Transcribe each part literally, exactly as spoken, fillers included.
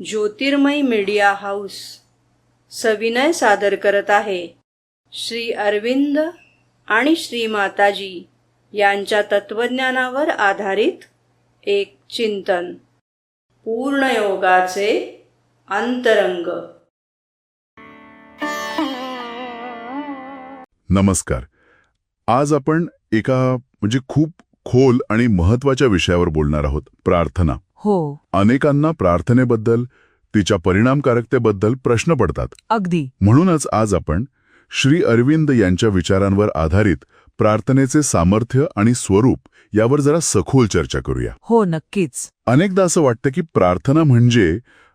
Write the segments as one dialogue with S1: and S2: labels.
S1: ज्योतिर्मय media house सविनय सादर करत आहे श्री अरविंद आणि श्री माताजी यांच्या तत्वज्ञानावर आधारित एक चिंतन, पूर्णयोगाचे अंतरंग.
S2: नमस्कार. आज आपण एका म्हणजे खूप खोल आणि महत्वाच्या विषयावर बोलणार आहोत, प्रार्थना.
S3: हो,
S2: अनेकांना प्रार्थनेबद्दल, तिच्या परिणामकारकतेबद्दल प्रश्न पडतात.
S3: अगदी.
S2: म्हणूनच आज आपण श्री अरविंद यांच्या विचारांवर आधारित प्रार्थनेचे सामर्थ्य आणि स्वरूप यावर जरा सखोल चर्चा करूया.
S3: हो, नक्कीच.
S2: अनेकदा असं वाटतं की प्रार्थना म्हणजे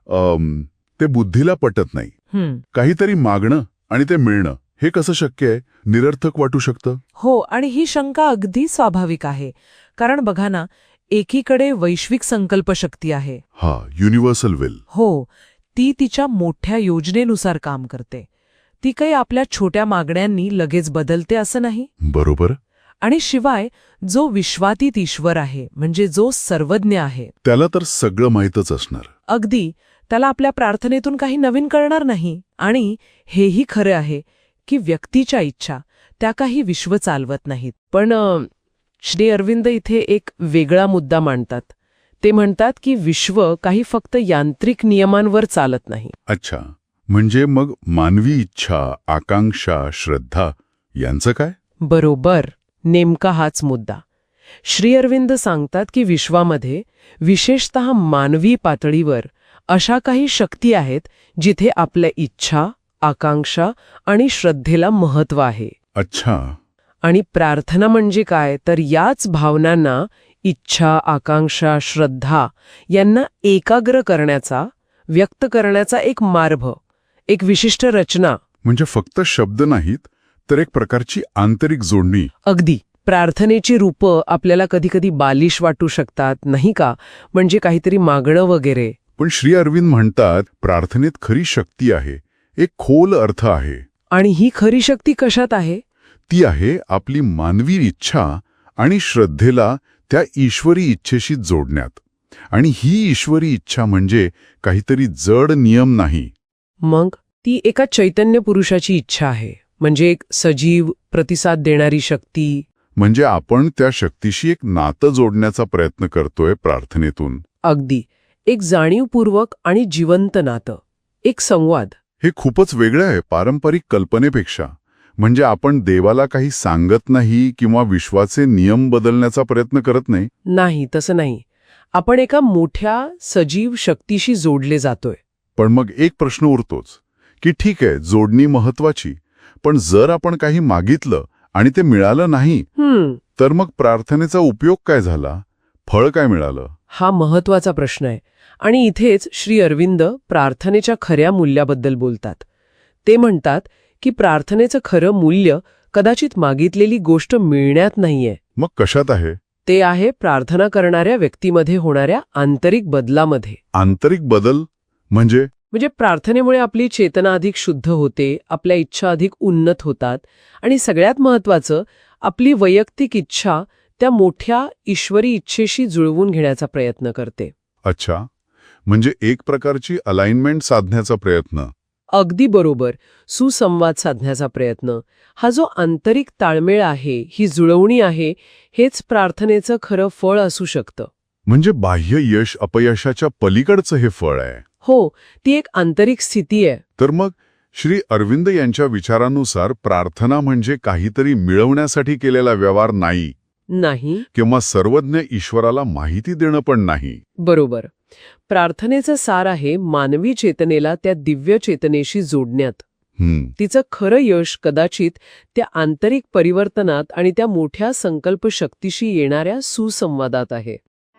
S2: अम, ते बुद्धीला पटत नाही.
S3: हं.
S2: काहीतरी मागणं आणि ते मिळणं हे कसं शक्य आहे, निरर्थक वाटू शकतं.
S3: हो, आणि ही शंका अगदी स्वाभाविक आहे. कारण बघा ना, एकीकडे वैश्विक संकल्पशक्ती आहे.
S2: हा, युनिव्हर्सल विल.
S3: हो, ती तिच्या मोठ्या योजनेनुसार काम करते. ती काही आपल्या छोट्या मागण्यांनी लगेच बदलते असं नाही.
S2: बरोबर.
S3: आणि शिवाय जो विश्वातीत ईश्वर आहे, म्हणजे जो सर्वज्ञ आहे,
S2: त्याला तर सगळं माहीतच असणार.
S3: अगदी, त्याला आपल्या प्रार्थनेतून काही नवीन कळणार नाही. आणि हेही खरं आहे की व्यक्तीच्या इच्छा त्या काही विश्व चालवत नाहीत. पण अ, श्री अरविंद इथे एक वेगळा मुद्दा मांडतात. ते म्हणतात की विश्व काही फक्त यांत्रिक नियमांवर चालत नाही.
S2: अच्छा, म्हणजे मग मानवी इच्छा, आकांक्षा, श्रद्धा यांचं काय?
S3: बरोबर, नेमका हाच मुद्दा. श्री अरविंद सांगतात की विश्वामध्ये, विशेषतः मानवी पातळीवर, अशा काही शक्ती आहेत जिथे आपल्या इच्छा, आकांक्षा आणि श्रद्धेला महत्त्व आहे.
S2: अच्छा.
S3: आणि प्रार्थना म्हणजे काय, तर याच भावनांना, इच्छा, आकांक्षा, श्रद्धा यांना एकाग्र करण्याचा, व्यक्त करण्याचा एक मार्ग, एक विशिष्ट रचना.
S2: म्हणजे फक्त शब्द नाहीत, तर एक प्रकारची आंतरिक जोडणी.
S3: अगदी. प्रार्थनेची रूपं आपल्याला कधीकधी बालिश वाटू शकतात, नाही का, म्हणजे काहीतरी मागणं वगैरे.
S2: पण श्री अरविंद म्हणतात प्रार्थनेत खरी शक्ती आहे, एक खोल अर्थ आहे.
S3: आणि ही खरी शक्ती कशात आहे?
S2: ती आहे आपली मानवी इच्छा आणि श्रद्धेला त्या ईश्वरी इच्छेशी जोडण्यात. आणि ही ईश्वरी इच्छा म्हणजे काहीतरी जड नियम नाही.
S3: मग ती एका चैतन्य पुरुषाची इच्छा आहे, म्हणजे एक सजीव, प्रतिसाद देणारी शक्ती.
S2: म्हणजे आपण त्या शक्तीशी एक नातं जोडण्याचा प्रयत्न करतोय प्रार्थनेतून.
S3: अगदी. एक जाणीवपूर्वक आणि जिवंत नातं, एक संवाद.
S2: हे खूपच वेगळं आहे पारंपरिक कल्पनेपेक्षा. म्हणजे आपण देवाला काही सांगत नाही किंवा विश्वाचे नियम बदलण्याचा प्रयत्न करत नाही.
S3: नाही, तसं नाही. आपण एका मोठ्या सजीव शक्तीशी जोडले जातोय.
S2: पण मग एक प्रश्न उरतोच की ठीक आहे, जोडणी महत्वाची, पण जर आपण काही मागितलं आणि ते मिळालं नाही,
S3: हम्म
S2: तर मग प्रार्थनेचा उपयोग काय झाला, फळ काय मिळालं?
S3: हा महत्वाचा प्रश्न आहे. आणि इथेच श्री अरविंद प्रार्थनेच्या खऱ्या मूल्याबद्दल बोलतात. ते म्हणतात की प्रार्थनेचं खरं मूल्य कदाचित मागितलेली गोष्ट मिळण्यात नाहीये.
S2: मग कशात आहे?
S3: ते आहे प्रार्थना करणाऱ्या व्यक्तीमध्ये होणाऱ्या आंतरिक बदलामध्ये.
S2: आंतरिक बदल म्हणजे?
S3: म्हणजे प्रार्थनेमुळे आपली चेतना अधिक शुद्ध होते, आपल्या इच्छा अधिक उन्नत होतात, आणि सगळ्यात महत्त्वाचं, आपली वैयक्तिक इच्छा त्या मोठ्या ईश्वरी इच्छेशी जुळवून घेण्याचा प्रयत्न करते.
S2: अच्छा, म्हणजे एक प्रकारची अलाइनमेंट साधण्याचा प्रयत्न.
S3: अगदी बरोबर. सुसंवाद साधण्याचा प्रयत्न. हा जो आंतरिक ताळमेळ आहे, ही जुळवणी आहे, हेच प्रार्थनेचं खरं फळ असू शकतं.
S2: म्हणजे बाह्य यश अपयशाच्या पलीकडचं हे फळ आहे.
S3: हो, ती एक आंतरिक स्थिती आहे.
S2: तर मग श्री अरविंद यांच्या विचारानुसार प्रार्थना म्हणजे काहीतरी मिळवण्यासाठी केलेला व्यवहार नाही,
S3: नाही.
S2: किंवा सर्वज्ञ ईश्वराला माहिती देणं पण नाही.
S3: बरोबर. प्रार्थनेचं सार आहे मानवी चेतनेला त्या दिव्य चेतनेशी जोडण्यात.
S2: हम्म.
S3: तिचं खरं यश कदाचित त्या आंतरिक परिवर्तनात आणि त्या मोठ्या संकल्प शक्तीशी येणाऱ्या सुसंवादात आहे.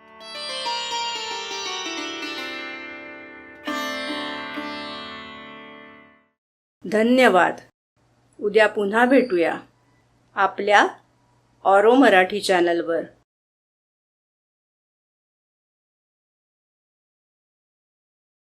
S1: धन्यवाद. उद्या पुन्हा भेटूया आपल्या ऑरो मराठी चॅनलवर.